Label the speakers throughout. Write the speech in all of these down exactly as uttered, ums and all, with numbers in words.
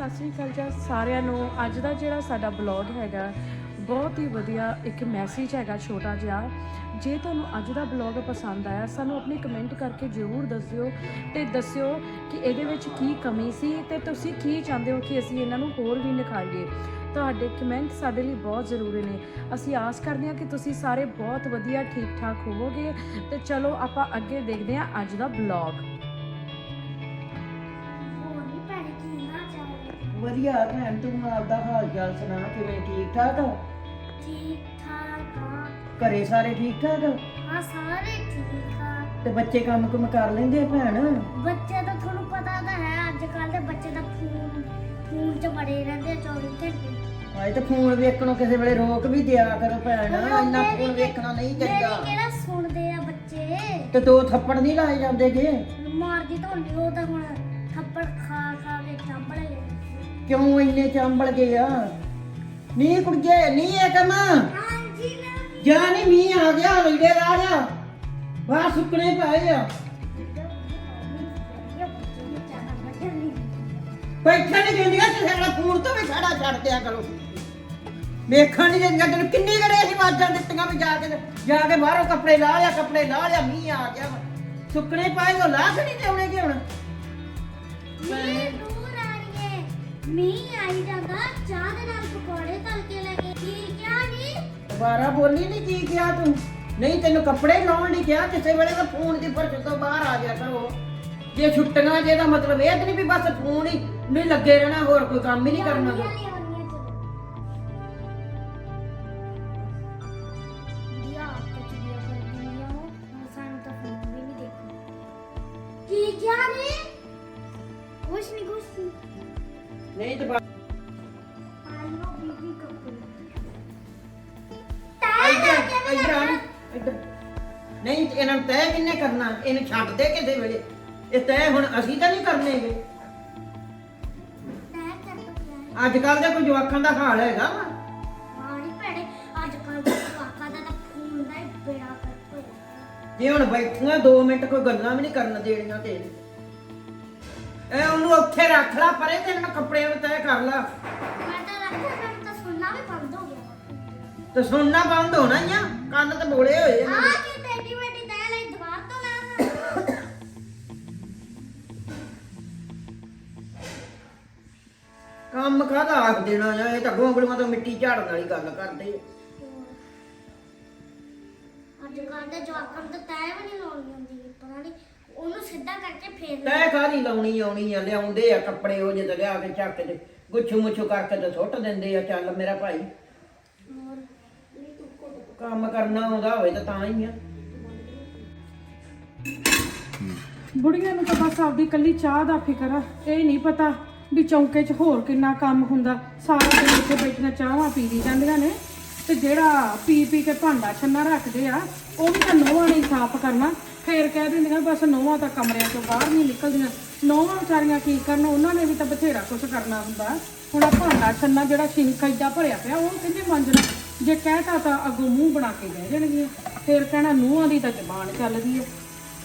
Speaker 1: ਸਤਿ ਸ਼੍ਰੀ ਅਕਾਲ ਜੀ ਸਾਰਿਆਂ ਨੂੰ। ਅੱਜ ਦਾ ਜਿਹੜਾ ਸਾਡਾ ਬਲੌਗ ਹੈਗਾ ਬਹੁਤ ਹੀ ਵਧੀਆ ਇੱਕ ਮੈਸੇਜ ਹੈਗਾ ਛੋਟਾ ਜਿਹਾ। ਜੇ ਤੁਹਾਨੂੰ ਅੱਜ ਦਾ ਬਲੌਗ ਪਸੰਦ ਆਇਆ ਸਾਨੂੰ ਆਪਣੇ ਕਮੈਂਟ ਕਰਕੇ ਜ਼ਰੂਰ ਦੱਸਿਓ ਤੇ ਦੱਸਿਓ ਕਿ ਇਹਦੇ ਵਿੱਚ ਕੀ ਕਮੀ ਸੀ ਤੇ ਤੁਸੀਂ ਕੀ ਚਾਹੁੰਦੇ ਹੋ ਕਿ ਅਸੀਂ ਇਹਨਾਂ ਨੂੰ ਹੋਰ ਵੀ ਨਿਖਾਰੀਏ। ਤੁਹਾਡੇ ਕਮੈਂਟ ਸਾਡੇ ਲਈ ਬਹੁਤ ਜ਼ਰੂਰੀ ਨੇ। ਅਸੀਂ ਆਸ ਕਰਦੇ ਹਾਂ ਕਿ ਤੁਸੀਂ ਸਾਰੇ ਬਹੁਤ ਵਧੀਆ ਠੀਕ ਠਾਕ ਹੋਵੋਗੇ। ਤੇ ਚਲੋ ਆਪਾਂ ਅੱਗੇ ਦੇਖਦੇ ਹਾਂ ਅੱਜ ਦਾ ਬਲੌਗ।
Speaker 2: ਵਧੀਆ ਭੈਣ, ਤੂੰ ਆਪਦਾ ਹਾਲ ਚਾਲ ਸੁਣਾ, ਕਿਵੇਂ ਠੀਕ ਠਾਕ ਆ?
Speaker 3: ਠੀਕ ਠਾਕ ਆ।
Speaker 2: ਘਰੇ ਸਾਰੇ ਠੀਕ ਠਾਕ ਆ?
Speaker 3: ਹਾਂ ਸਾਰੇ ਠੀਕ ਆ।
Speaker 2: ਤੇ ਬੱਚੇ ਕੰਮ ਕੁਮ ਕਰ ਲੈਂਦੇ ਆ ਭੈਣ?
Speaker 3: ਬੱਚੇ ਤਾਂ ਤੁਹਾਨੂੰ ਪਤਾ ਤਾਂ ਹੈ ਅੱਜ ਕੱਲ ਦੇ ਬੱਚੇ ਤਾਂ ਫੋਨ ਫੋਨ 'ਚ ਬੜੇ ਰਹਿੰਦੇ ਆ ਚੌਵੀ ਘੰਟੇ।
Speaker 2: ਆਏ ਤੇ ਫੋਨ ਵੇਖਣੋਂ ਕਿਸੇ ਵੇਲੇ ਰੋਕ ਵੀ ਦਿਆ ਕਰੋ ਭੈਣ, ਇੰਨਾ ਫੋਨ ਵੇਖਣਾ ਨਹੀਂ
Speaker 3: ਮੇਰੀ
Speaker 2: ਚਾਹੀਦਾ।
Speaker 3: ਕਿਹੜਾ ਸੁਣਦੇ ਆ ਬੱਚੇ?
Speaker 2: ਤੇ ਦੋ ਥੱਪੜ ਨਹੀਂ ਲਾਏ ਜਾਂਦੇਗੇ?
Speaker 3: ਮਾਰਦੀ ਤਾਂ ਹੁੰਦੀ, ਉਹ ਤਾਂ ਹੁਣ ਥੱਪੜ ਖਾ ਖਾ ਕੇ ਚੰਬੜ ਗਏ।
Speaker 2: ਕਿਉਂ ਇੰਨੇ ਚੰਬਲ ਗਏ ਆ? ਨੀ ਕੁੜੀਏ ਨੀ ਇਹ ਕੰਮ
Speaker 3: ਹਾਂਜੀ ਨਾ
Speaker 2: ਜਾ, ਨੀ ਮੀਂਹ ਆ ਗਿਆ, ਲੀੜੇ ਲਾ ਲਿਆ, ਬਾਹਰ ਸੁੱਕਣੇ ਪਏ ਆ। ਬੈਠਾ ਨਹੀਂ ਦਿੰਦੀਆਂ ਤੇ ਸਾਡਾ ਫੋਨ ਤੋਂ ਵੀ ਖੜਾ ਛੱਡ ਦਿਆ ਕਰੋ। ਵੇਖਣ ਨਹੀਂ ਦਿੰਦੀਆਂ ਤੈਨੂੰ ਕਿੰਨੀ ਗੜੇ ਅਸੀਂ ਆਵਾਜ਼ਾਂ ਦਿੱਤੀਆਂ ਵੀ ਜਾ ਕੇ ਜਾ ਕੇ ਬਾਹਰੋਂ ਕੱਪੜੇ ਲਾ ਲਿਆ, ਕੱਪੜੇ ਲਾ ਲਿਆ, ਮੀਂਹ ਆ ਗਿਆ ਸੁੱਕਣੇ ਪਾਏ ਉਹ ਲਾਹ ਨਹੀਂ ਦੇਉਣੇ ਕਿ ਹੁਣ
Speaker 3: ਮੀਂਹ ਦੂਰ ਆ ਰਹੀ ਹੈ, ਮੀਂਹ ਆਈ ਜਾਂਦਾ, ਚਾਹ ਦੇ ਨਾਲ ਪਕੌੜੇ ਤਲ ਕੇ ਲੈ ਕੇ ਕੀ ਕਿਹਾ ਨਹੀਂ?
Speaker 2: ਦੁਬਾਰਾ ਬੋਲੀ ਨਹੀਂ ਕੀ ਕਿਹਾ ਤੂੰ? ਨਹੀਂ ਤੈਨੂੰ ਕੱਪੜੇ ਲਾਉਣ ਨਹੀਂ ਕਿਹਾ, ਕਿਸੇ ਵੇਲੇ ਤਾਂ ਫੋਨ ਦੀ ਫਰਕ ਤੋਂ ਬਾਹਰ ਆ ਗਿਆ ਕਰੋ। ਜੇ ਛੁੱਟੀਆਂ ਜੇ ਦਾ ਮਤਲਬ ਇਹ ਤਾਂ ਨਹੀਂ ਵੀ ਬਸ ਫੋਨ ਹੀ ਨਹੀਂ ਲੱਗੇ ਰਹਿਣਾ, ਹੋਰ ਕੋਈ ਕੰਮ ਹੀ ਨਹੀਂ ਕਰਨਾ।
Speaker 3: ਕੀ ਕਿਹਾ ਨੇ? ਕੁਛ ਨਹੀਂ ਕੁਛ ਨਹੀਂ।
Speaker 2: ਨਹੀਂ ਤੇ
Speaker 3: ਆਲੋ ਬੀਬੀ ਕੱਪੜੇ
Speaker 2: ਇੱਧਰ ਇੱਧਰ ਆ, ਇੱਧਰ ਨਹੀਂ ਤੇ ਇਹਨਾਂ ਨੂੰ ਤੈਅ ਕਿੰਨੇ ਕਰਨਾ? ਇਹਨੂੰ ਛੱਡ ਦੇ ਕਿਸੇ ਵੇਲੇ, ਇਹ ਤੈਅ ਹੁਣ ਅਸੀਂ ਤਾਂ ਨਹੀਂ ਕਰਨੇਗੇ।
Speaker 3: ਤੈਅ ਕਰ ਦੋ ਪਿਆ।
Speaker 2: ਅੱਜ ਕੱਲ ਦਾ ਕੋਈ ਜਵਾਕਾਂ ਦਾ ਹਾਲ ਹੈਗਾ ਵਾ।
Speaker 3: ਹਾਂ ਨੀ ਭੈਣੇ, ਅੱਜ ਕੱਲ ਦੇ ਜਵਾਕਾਂ ਦਾ ਤਾਂ ਫੋਨ ਦਾ ਹੀ ਬੇੜਾ ਕਰ ਹੋਇਆ।
Speaker 2: ਜੇ ਹੁਣ ਬੈਠੀਆਂ ਦੋ ਮਿੰਟ ਕੋਈ ਗੱਲਾਂ ਵੀ ਨਹੀਂ ਕਰਨ ਦੇਣੀਆਂ ਤੇ ਇਹ ਉਹਨੂੰ ਉੱਥੇ ਰੱਖ ਲਾ ਪਰੇ ਤੇ ਇਹਨਾਂ ਕੱਪੜਿਆਂ ਨੂੰ ਤੈਅ ਕਰ ਲਾ।
Speaker 3: ਮੈਂ ਤਾਂ ਰੱਖਿਆ, ਮੈਨੂੰ ਤਾਂ ਸੁਣਨਾ ਵੀ ਬੰਦ ਹੋ ਗਿਆ।
Speaker 2: ਤੇ ਸੁਣਨਾ ਬੰਦ ਹੋਣਾ ਹੀ ਆ, ਕੰਨ ਤੇ ਬੋਲੇ ਹੋਏ ਆ
Speaker 3: ਆ
Speaker 2: ਮੇਰੇ।
Speaker 3: ਕੀ ਟੈਡੀ ਬੈਡੀ ਤੈਅ ਲਈ ਦੁਬਾਰ ਤੋਂ ਲਾ।
Speaker 2: ਕੰਮ ਕਾਹਦਾ ਆਖ ਦੇਣਾ ਆ, ਇਹ ਤਾਂ ਗੋਂਗਲੀਆਂ ਤੋਂ ਮਿੱਟੀ ਝਾੜਨ ਵਾਲੀ ਗੱਲ ਕਰਦੇ ਆ।
Speaker 3: ਅੱਜ ਕੱਲ ਦੇ ਜਵਾਕਾਂ ਨੂੰ ਤਾਂ ਤੈਅ ਵੀ ਨਹੀਂ ਲਾਉਣੀ ਆਉਂਦੀ, ਪਤਾ ਨਹੀਂ ਉਹਨੂੰ ਸਿੱਧਾ ਕਰਕੇ ਫੇਰ
Speaker 2: ਤੈਅ ਕਾਹਦੀ ਲਾਉਣੀ ਆਉਣੀ ਆ, ਲਿਆਉਂਦੇ ਆ ਕੱਪੜੇ ਉਹ ਜਿਹੇ ਲਿਆ ਕੇ ਚੱਕ ਤੇ ਗੁੱਛੂ ਮੁੱਛੂ ਕਰਕੇ ਤੇ ਸੁੱਟ ਦਿੰਦੇ ਆ। ਚੱਲ ਮੇਰਾ ਭਾਈ,
Speaker 3: ਹੋਰ
Speaker 2: ਕੰਮ ਕਰਨਾ ਆਉਂਦਾ ਹੋਵੇ ਤਾਂ ਤਾਂ ਹੀ ਆ।
Speaker 1: ਬੁੜੀਆਂ ਨੂੰ ਤਾਂ ਬਸ ਆਪਦੀ ਕੱਲੀ ਚਾਹ ਦਾ ਫਿਕਰ ਆ, ਇਹ ਨਹੀਂ ਪਤਾ ਵੀ ਚੌਂਕੇ 'ਚ ਹੋਰ ਕਿੰਨਾ ਕੰਮ ਹੁੰਦਾ। ਸਾਰਾ ਦਿਨ ਇੱਥੇ ਬੈਠੀਆਂ ਚਾਹਾਂ ਪੀ ਦੀ ਜਾਂਦੀਆਂ ਨੇ ਤੇ ਜਿਹੜਾ ਪੀ ਪੀ ਕੇ ਭਾਂਡਾ ਛੰਨਾ ਰੱਖਦੇ ਆ ਉਹ ਵੀ ਤਾਂ ਨੋਹਾਂ ਨੇ ਸਾਫ਼ ਕਰਨਾ। ਫੇਰ ਕਹਿ ਦਿੰਦੀਆਂ ਬਸ ਨੋਹਾਂ ਤਾਂ ਕਮਰਿਆਂ ਤੋਂ ਬਾਹਰ ਨਹੀਂ ਨਿਕਲਦੀਆਂ। ਨੋਹਾਂ ਵਿਚਾਰੀਆਂ ਕੀ ਕਰਨ, ਉਹਨਾਂ ਨੇ ਵੀ ਤਾਂ ਬਥੇਰਾ ਕੁਛ ਕਰਨਾ ਹੁੰਦਾ। ਹੁਣ ਆ ਭਾਂਡਾ ਛੰਨਾ ਜਿਹੜਾ ਸ਼ਿੰਕ ਏਦਾਂ ਭਰਿਆ ਪਿਆ ਉਹ ਕਿੰਨੇ ਮਾਂਜਣਾ? ਜੇ ਕਹਿਤਾ ਤਾਂ ਅੱਗੋਂ ਮੂੰਹ ਬਣਾ ਕੇ ਬਹਿ ਜਾਣਗੀਆਂ। ਫੇਰ ਕਹਿਣਾ ਨੂੰਹਾਂ ਦੀ ਤਾਂ ਜ਼ਬਾਨ ਚੱਲਦੀ ਹੈ।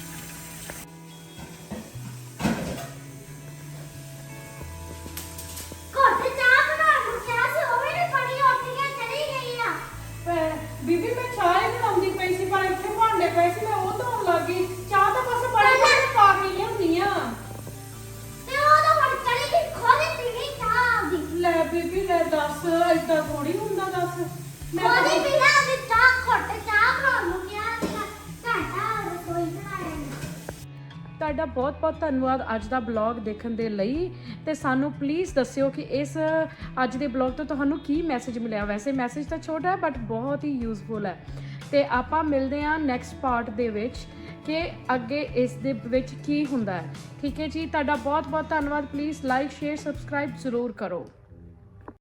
Speaker 3: ਘਰ ਤੇ ਚਾਹ ਬਣਾਉਣ ਨੂੰ ਕਿਹਾ ਸੀ, ਉਹ ਵੀ ਨਹੀਂ ਪੜੀ, ਉੱਠ ਕੇ ਚਲੀ ਗਈ ਆ।
Speaker 1: ਬੀਬੀ ਮੈਂ ਚਾਹ ਹੀ ਬਣਾਉਂਦੀ ਪਈ ਸੀ ਪਰ ਇੱਥੇ ਭਾਂਡੇ ਪਏ ਸੀ, ਮੈਂ ਉਹ ਧੋਣ ਲੱਗ ਗਈ। ਚਾਹ ਤਾਂ ਬਸ ਬੜੇ ਬੜੇ ਪਾ ਕੇ ਲਿਆਉਂਦੀ ਆ।
Speaker 3: ਤੇ ਉਹ ਤਾਂ ਹੁਣ ਚਲੀ ਗਈ, ਖੋਦੇ ਪੀ ਗਈ ਚਾਹ ਆਪਦੀ।
Speaker 1: ਲੈ ਬੀਬੀ ਲੈ ਦੱਸ, ਏਦਾਂ ਥੋੜੀ ਹੁੰਦਾ ਦੱਸ। ਮੈਂ
Speaker 3: ਖੋਦੇ
Speaker 1: ਤਾਂ-
Speaker 3: ਪੀ ਨਾ ਆਪਦੀ ਚਾਹ, ਘੁੱਟ ਚਾਹ ਬਣਾਉਣ ਨੂੰ ਕਿਹਾ ਸੀਗਾ, ਘੰਟਾ ਰਸੋਈ ਬਣਾਇਆ ਨੀ।
Speaker 1: ਤੁਹਾਡਾ ਬਹੁਤ ਬਹੁਤ ਧੰਨਵਾਦ ਅੱਜ ਦਾ ਬਲੌਗ ਦੇਖਣ ਦੇ ਲਈ। ਤੇ ਸਾਨੂੰ ਪਲੀਜ਼ ਦੱਸਿਓ ਕਿ ਇਸ ਅੱਜ ਦੇ ਬਲੌਗ ਤੋਂ ਤੁਹਾਨੂੰ ਕੀ ਮੈਸੇਜ ਮਿਲਿਆ। ਵੈਸੇ ਮੈਸੇਜ ਤਾਂ ਛੋਟਾ ਹੈ ਬਟ ਬਹੁਤ ਹੀ ਯੂਜ਼ਫੁਲ ਹੈ। ਤੇ ਆਪਾਂ ਮਿਲਦੇ ਹਾਂ ਨੈਕਸਟ ਪਾਰਟ ਦੇ ਵਿੱਚ ਕਿ ਅੱਗੇ ਇਸ ਦੇ ਵਿੱਚ ਕੀ ਹੁੰਦਾ ਹੈ। ਠੀਕ ਹੈ ਜੀ, ਤੁਹਾਡਾ ਬਹੁਤ ਬਹੁਤ ਧੰਨਵਾਦ। ਪਲੀਜ਼ ਲਾਈਕ ਸ਼ੇਅਰ ਸਬਸਕ੍ਰਾਈਬ ਜ਼ਰੂਰ ਕਰੋ।